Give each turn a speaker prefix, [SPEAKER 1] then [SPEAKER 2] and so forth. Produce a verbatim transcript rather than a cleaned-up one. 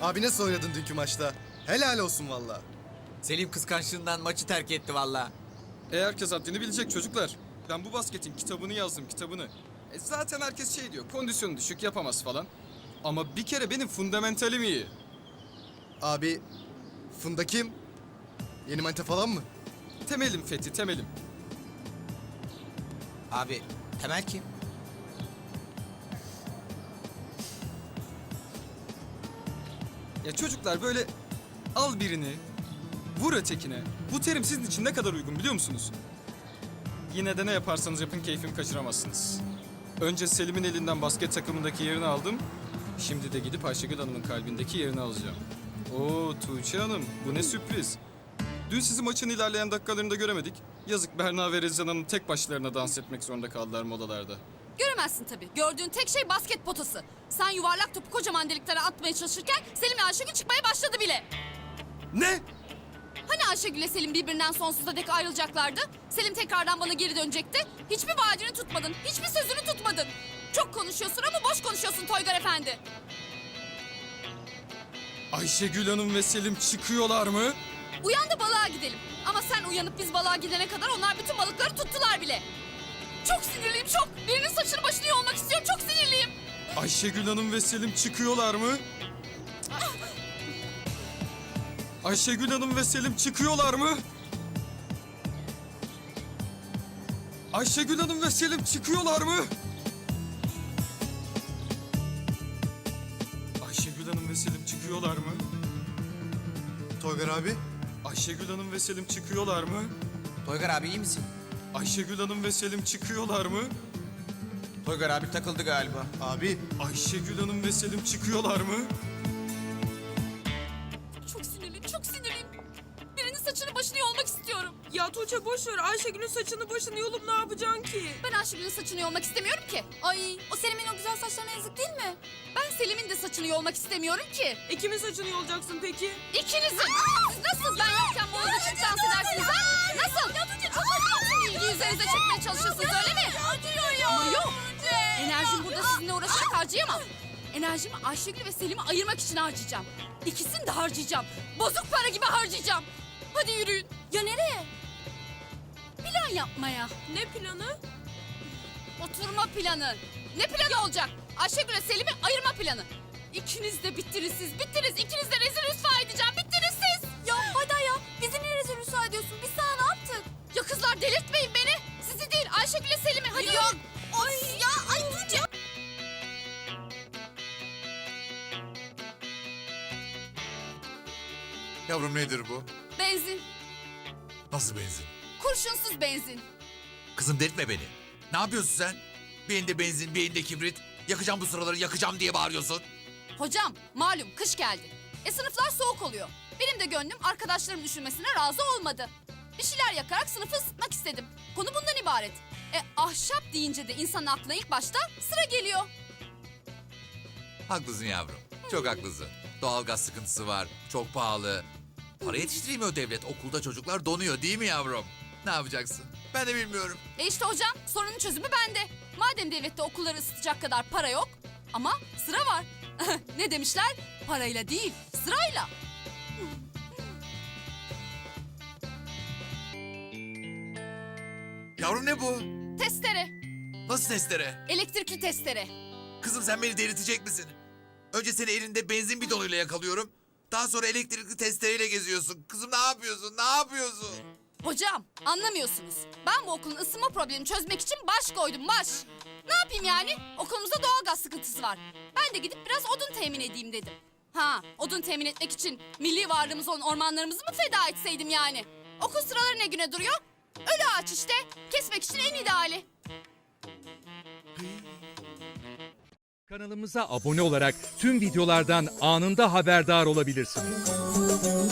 [SPEAKER 1] Abi nasıl oynadın dünkü maçta? Helal olsun valla.
[SPEAKER 2] Selim kıskançlığından maçı terk etti valla.
[SPEAKER 3] E herkes haddini bilecek çocuklar. Ben bu basketin kitabını yazdım, kitabını. E zaten herkes şey diyor, kondisyonu düşük, yapamaz falan. Ama bir kere benim fundamentalim iyi.
[SPEAKER 1] Abi Funda kim? Yeni manita falan mı?
[SPEAKER 3] Temelim Fethi, temelim.
[SPEAKER 2] Abi Temel kim?
[SPEAKER 3] Ya çocuklar böyle al birini, vur ötekine. Bu terim sizin için ne kadar uygun biliyor musunuz? Yine de ne yaparsanız yapın keyfimi kaçıramazsınız. Önce Selim'in elinden basket takımındaki yerini aldım. Şimdi de gidip Ayşegül Hanım'ın kalbindeki yerini alacağım. Oo Tuğçe Hanım, bu ne sürpriz. Dün sizi maçın ilerleyen dakikalarında göremedik. Yazık Berna ve Rezan Hanım tek başlarına dans etmek zorunda kaldılar modalarda.
[SPEAKER 4] Göremezsin tabii. Gördüğün tek şey basket potası. Sen yuvarlak topu kocaman deliklere atmaya çalışırken Selim ve Ayşegül çıkmaya başladı bile.
[SPEAKER 3] Ne?
[SPEAKER 4] Hani Ayşegül ile Selim birbirinden sonsuza dek ayrılacaklardı? Selim tekrardan bana geri dönecekti. Hiçbir vaadini tutmadın, hiçbir sözünü tutmadın. Çok konuşuyorsun ama boş konuşuyorsun Toygar Efendi.
[SPEAKER 3] Ayşegül Hanım ve Selim çıkıyorlar mı?
[SPEAKER 4] Uyan da balığa gidelim. Ama sen uyanıp biz balığa gidene kadar onlar bütün balıkları tuttular bile. Çok sinirliyim çok. Birinin saçını başını yolmak istiyorum. Çok sinirliyim.
[SPEAKER 3] Ayşegül Hanım ve Selim çıkıyorlar mı? Ayşegül Hanım ve Selim çıkıyorlar mı? Ayşegül Hanım ve Selim çıkıyorlar mı? Ayşegül Hanım ve Selim çıkıyorlar mı?
[SPEAKER 1] Toygar abi.
[SPEAKER 3] Ayşegül Hanım ve Selim çıkıyorlar mı?
[SPEAKER 2] Toygar abi iyi misin?
[SPEAKER 3] Ayşegül Hanım ve Selim çıkıyorlar mı?
[SPEAKER 2] Toygar abi takıldı galiba.
[SPEAKER 1] Abi
[SPEAKER 3] Ayşegül Hanım ve Selim çıkıyorlar mı?
[SPEAKER 4] Çok sinirliyim, çok sinirliyim. Birinin saçını başını yolmak istiyorum.
[SPEAKER 5] Ya Tuğçe boş ver. Ayşegül'ün saçını başını yolup ne yapacaksın ki?
[SPEAKER 4] Ben Ayşegül'ün saçını yolmak istemiyorum ki. Ay, o Selim'in o güzel saçlarına yazık değil mi? Ben Selim'in de saçını yolmak istemiyorum ki.
[SPEAKER 5] E kimin saçını yolacaksın peki?
[SPEAKER 4] İkinizin. Siz nasıl ben yokken boğaza çık dans edersiniz ha? Nasıl? Ya Tuğçe çok bütün ilgi üzerinize çekmeye çalışıyorsunuz öyle mi? Ama yok. Enerjimi burada sizinle uğraşarak harcayamam. Enerjimi Ayşegül ve Selim'i ayırmak için harcayacağım. İkisini de harcayacağım. Bozuk para gibi harcayacağım. Hadi yürüyün. Ya nereye? Plan yapmaya.
[SPEAKER 5] Ne planı?
[SPEAKER 4] Oturma planı. Ne planı olacak? Ayşegül ve Selim'i ayırma planı. İkiniz de bittiniz siz. Bittiniz. İkiniz de rezil rüsva edeceğim. Bittiniz siz. Ya hadi ya. Bizi niye rezil rüsva ediyorsun? Biz sana ne yaptık? Ya kızlar delirtmeyin beni. Sizi değil Ayşegül ve Selim'i. Hadi yok. Ay ya. Ay Tuğçe.
[SPEAKER 6] Yavrum nedir bu?
[SPEAKER 4] Benzin.
[SPEAKER 6] Nasıl benzin?
[SPEAKER 4] Kurşunsuz benzin.
[SPEAKER 6] Kızım delirtme beni. Ne yapıyorsun sen? Bir elinde benzin, bir elinde kibrit. Yakacağım bu sıraları, yakacağım diye bağırıyorsun.
[SPEAKER 4] Hocam malum kış geldi. E sınıflar soğuk oluyor. Benim de gönlüm arkadaşlarım üşümesine razı olmadı. Bir şeyler yakarak sınıfı ısıtmak istedim. Konu bundan ibaret. E ahşap deyince de insanın aklına ilk başta sıra geliyor.
[SPEAKER 6] Haklısın yavrum. Çok haklısın. Doğalgaz sıkıntısı var, çok pahalı. Para yetiştiremiyor devlet. Okulda çocuklar donuyor değil mi yavrum? Ne yapacaksın? Ben de bilmiyorum.
[SPEAKER 4] E işte hocam sorunun çözümü bende. Madem devlette okulları ısıtacak kadar para yok ama sıra var. Ne demişler? Parayla değil sırayla.
[SPEAKER 6] Yavrum ne bu?
[SPEAKER 4] Testere.
[SPEAKER 6] Nasıl testere?
[SPEAKER 4] Elektrikli testere.
[SPEAKER 6] Kızım sen beni delirtecek misin? Önce seni elinde benzin bidonuyla yakalıyorum. Daha sonra elektrikli testereyle geziyorsun. Kızım ne yapıyorsun? Ne yapıyorsun?
[SPEAKER 4] Hocam anlamıyorsunuz. Ben bu okulun ısınma problemini çözmek için baş koydum baş. Ne yapayım yani? Okulumuzda doğalgaz sıkıntısı var. Ben de gidip biraz odun temin edeyim dedim. Ha, odun temin etmek için milli varlığımız olan ormanlarımızı mı feda etseydim yani? Okul sıraları ne güne duruyor? Ölü ağaç işte. Kesmek için en ideali.
[SPEAKER 7] Kanalımıza abone olarak tüm videolardan anında haberdar olabilirsiniz.